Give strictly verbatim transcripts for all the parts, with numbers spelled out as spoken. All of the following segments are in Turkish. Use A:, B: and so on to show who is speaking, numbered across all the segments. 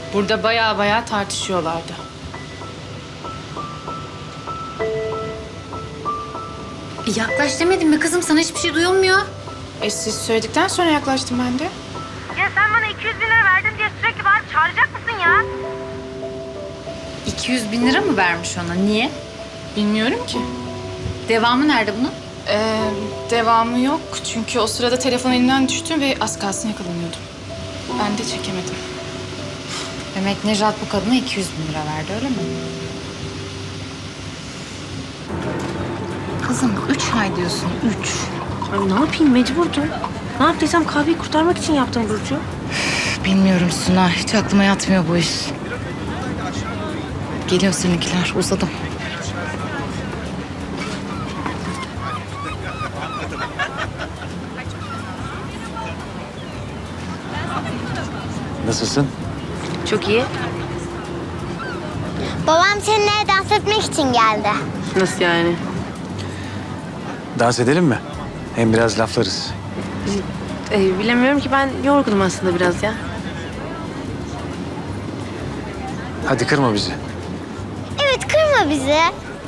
A: Burada bayağı bayağı tartışıyorlardı.
B: Yaklaş demedim mi kızım? Sana hiçbir şey duyulmuyor.
A: E siz söyledikten sonra yaklaştım ben de.
C: Ya sen bana iki yüz bin lira verdin diye sürekli bağırıp çağıracak mısın ya?
B: iki yüz bin lira mı vermiş ona? Niye?
A: Bilmiyorum ki.
B: Devamı nerede bunun?
A: Ee, devamı yok çünkü o sırada telefon elimden düştü ve az kalsın yakalanıyordum. Ben de çekemedim.
B: Demek Nejat bu kadına iki yüz bin lira verdi, öyle mi? Kızım üç ay diyorsun, üç.
C: Ay ne yapayım, mecburdum. Ne yaptıysam kahveyi kurtarmak için yaptım Burcu.
B: Bilmiyorum Suna, hiç aklıma yatmıyor bu iş. Geliyor seninkiler, uzadım.
D: Nasılsın?
C: Çok iyi.
E: Babam seninle dans etmek için geldi.
C: Nasıl yani?
D: Dans edelim mi? Hem biraz laflarız.
C: Ee, bilemiyorum ki, ben yorgunum aslında biraz ya.
D: Hadi kırma bizi.
E: Evet, kırma bizi.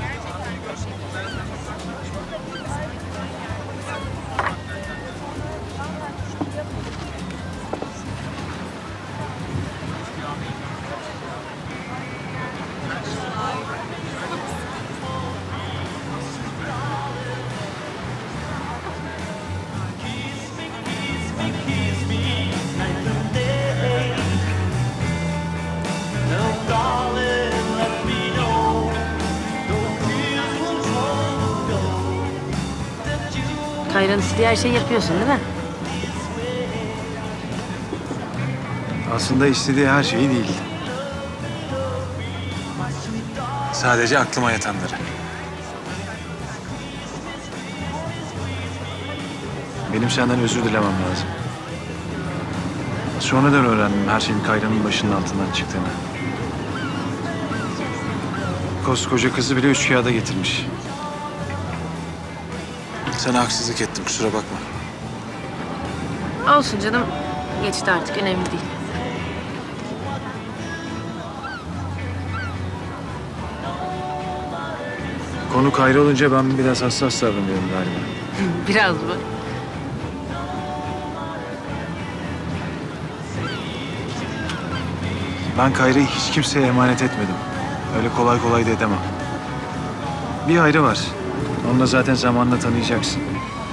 C: Kayra'nın istediği her şeyi yapıyorsun değil mi?
D: Aslında istediği her şeyi değil. Sadece aklıma yatanları. Benim senden özür dilemem lazım. Sonradan öğrendim her şeyin Kayra'nın başının altından çıktığını. Koskoca kızı bile üç kağıda getirmiş. Sana haksızlık ettim, kusura bakma.
C: Olsun canım. Geçti artık, önemli değil.
D: Konu Kayra olunca ben biraz hassas davranıyorum galiba.
C: Biraz mı?
D: Ben Kayra'yı hiç kimseye emanet etmedim. Öyle kolay kolay da edemem. Bir ayrı var. Onu da zaten zamanla tanıyacaksın.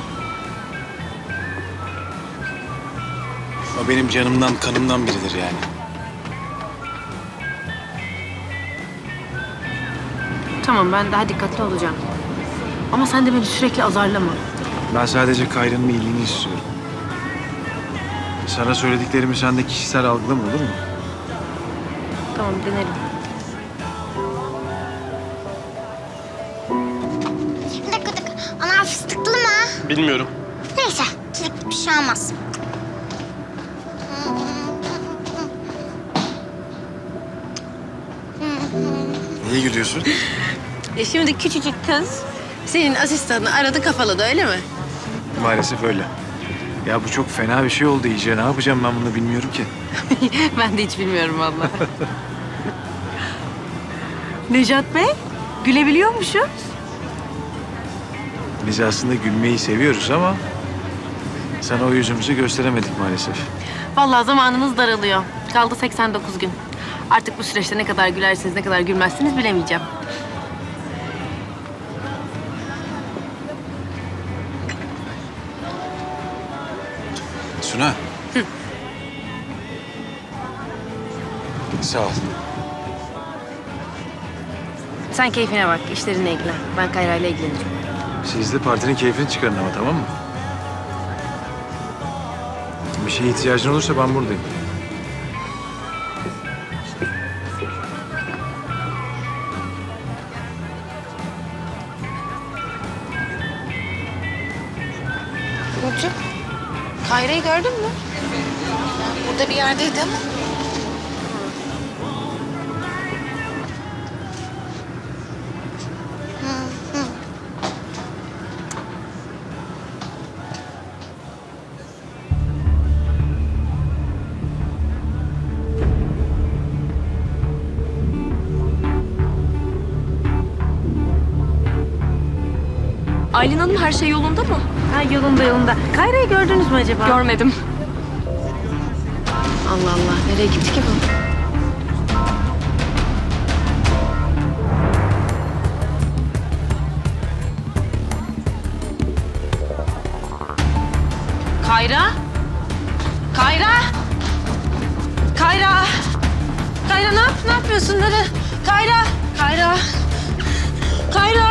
D: O benim canımdan, kanımdan biridir yani.
C: Tamam, ben daha dikkatli olacağım. Ama sen de beni sürekli azarlama.
D: Ben sadece Kayra'nın iyiliğini istiyorum. Sana söylediklerimi sen de kişisel algılama, olur mu?
C: Tamam, denerim.
E: Bir dakika, bir dakika. Ana fıstıklı mı?
F: Bilmiyorum.
E: Neyse, çilek bir şey olmaz.
D: Niye gülüyorsun?
C: E şimdi küçücük kız senin asistanını aradı, kafaladı, öyle mi?
D: Maalesef öyle. Ya bu çok fena bir şey oldu iyice. Ne yapacağım ben bunu bilmiyorum ki.
C: Ben de hiç bilmiyorum vallahi. Nejat Bey, gülebiliyormuşuz.
D: Biz aslında gülmeyi seviyoruz ama... ...sana o yüzümüzü gösteremedik maalesef.
C: Vallahi zamanınız daralıyor. Kaldı seksen dokuz gün. Artık bu süreçte ne kadar gülersiniz, ne kadar gülmezsiniz bilemeyeceğim.
D: Suna.
C: Hı.
D: Sağ ol.
C: Sen keyfine bak, işlerinle ilgilen. Ben Kayra'yla ilgilenirim.
D: Siz de partinin keyfini çıkarın ama, tamam mı? Bir şeye ihtiyacın olursa ben buradayım.
B: Burcu, Kayra'yı gördün mü? Burada bir yerdeydi ama.
F: Aylin Hanım her şey yolunda mı?
C: Ha, yolunda yolunda. Kayra'yı gördünüz mü acaba?
F: Görmedim.
C: Allah Allah. Nereye gitti ki bu? Kayra? Kayra? Kayra? Kayra ne yap ne yapıyorsun? Nere? Kayra? Kayra? Kayra?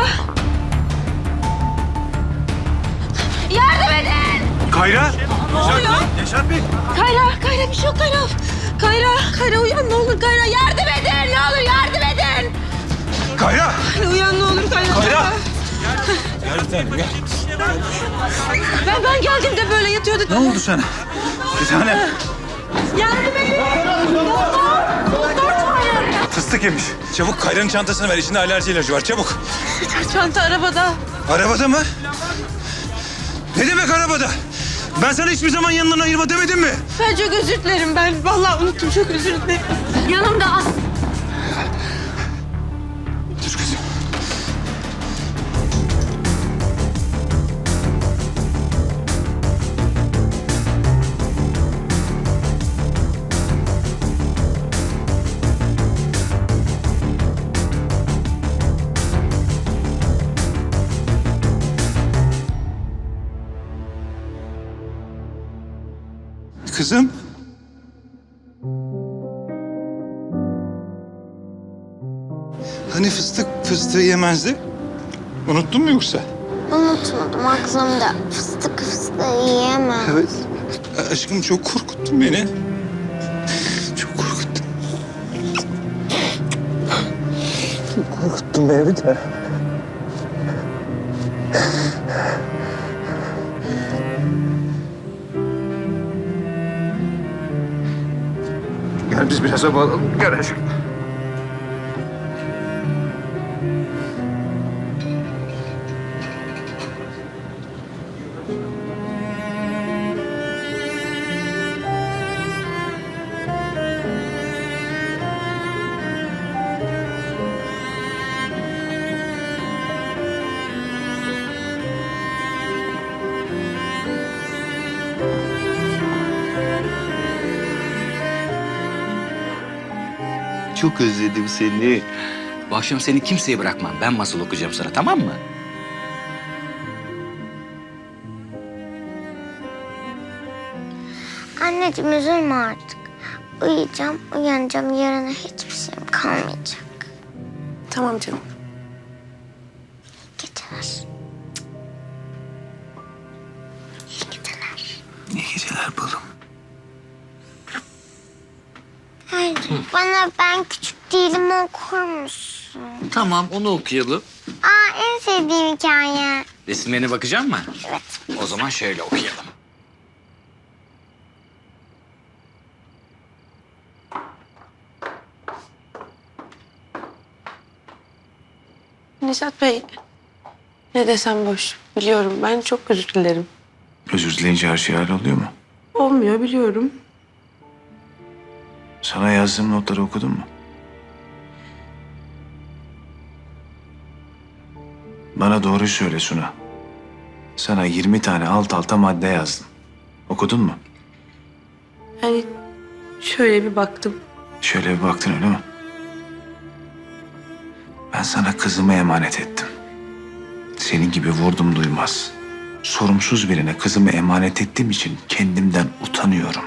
C: Yardım edin!
D: Kayra!
C: Ne oluyor?
D: Yaşar Bey!
C: Kayra, Kayra bir şey yok Kayra. Kayra, Kayra uyan ne olur Kayra. Yardım edin ne olur yardım edin.
D: Kayra!
C: Kayra uyan ne olur Kayra.
D: Kayra! Gel bir tanem gel.
C: Ben, ben geldiğimde böyle yatıyordu.
D: Ne oldu sana? Bir tane
C: Yardım edin. Doktor, doktor çağırın.
D: fıstık yemiş. Çabuk Kayra'nın çantasını ver. İçinde alerji ilacı var. Çabuk.
C: Çanta arabada.
D: Arabada mı? Ne demek arabada? Ben sana hiçbir zaman yanından ayırma demedim mi?
C: Ben çok özür dilerim. Ben vallahi unuttum. Çok özür dilerim. Yanımda az.
D: Dur kızım. Kızım. Hani fıstık fıstığı yemezdi? Unuttun mu yoksa?
E: Unutmadım aklımda. Fıstık fıstığı yiyemem.
D: Evet. Aşkım çok korkuttun beni. Çok korkuttun. Çok korkuttun beni bir de. Gel biz biraz hava alalım. Gel aşkım.
G: Çok özledim seni. Bu akşam seni kimseye bırakmam. Ben masal okuyacağım sana, tamam mı?
E: Anneciğim üzülme artık. Uyuyacağım, uyanacağım. Yarına hiçbir şeyim kalmayacak.
F: Tamam canım.
E: İyi geceler. İyi geceler.
D: İyi geceler balım.
E: Hayır, bana ben küçük değilim okur musun?
G: Tamam, onu okuyalım.
E: Aa, en sevdiğim hikaye.
G: Resimlerine bakacak mı?
E: Evet.
G: O zaman şöyle okuyalım.
H: Neşat Bey, ne desem boş. Biliyorum, ben çok özür dilerim.
D: Özür dileyince her şey halloluyor mu?
H: Olmuyor, biliyorum.
D: Sana yazdığım notları okudun mu? Bana doğruyu söyle Suna. Sana yirmi tane alt alta madde yazdım. Okudun mu?
H: Yani şöyle bir baktım.
D: Şöyle bir baktın öyle mi? Ben sana kızımı emanet ettim. Senin gibi vurdum duymaz. Sorumsuz birine kızımı emanet ettiğim için kendimden utanıyorum.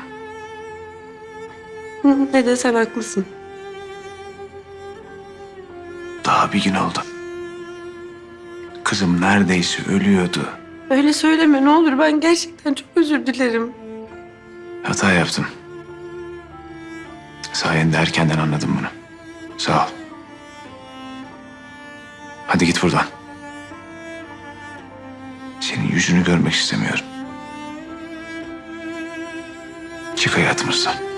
H: Hı, ne desen haklısın.
D: Daha bir gün oldu. Kızım neredeyse ölüyordu.
H: Öyle söyleme ne olur, ben gerçekten çok özür dilerim.
D: Hata yaptım. Sayende erkenden anladım bunu. Sağ ol. Hadi git buradan. Senin yüzünü görmek istemiyorum. Çık hayatımızdan.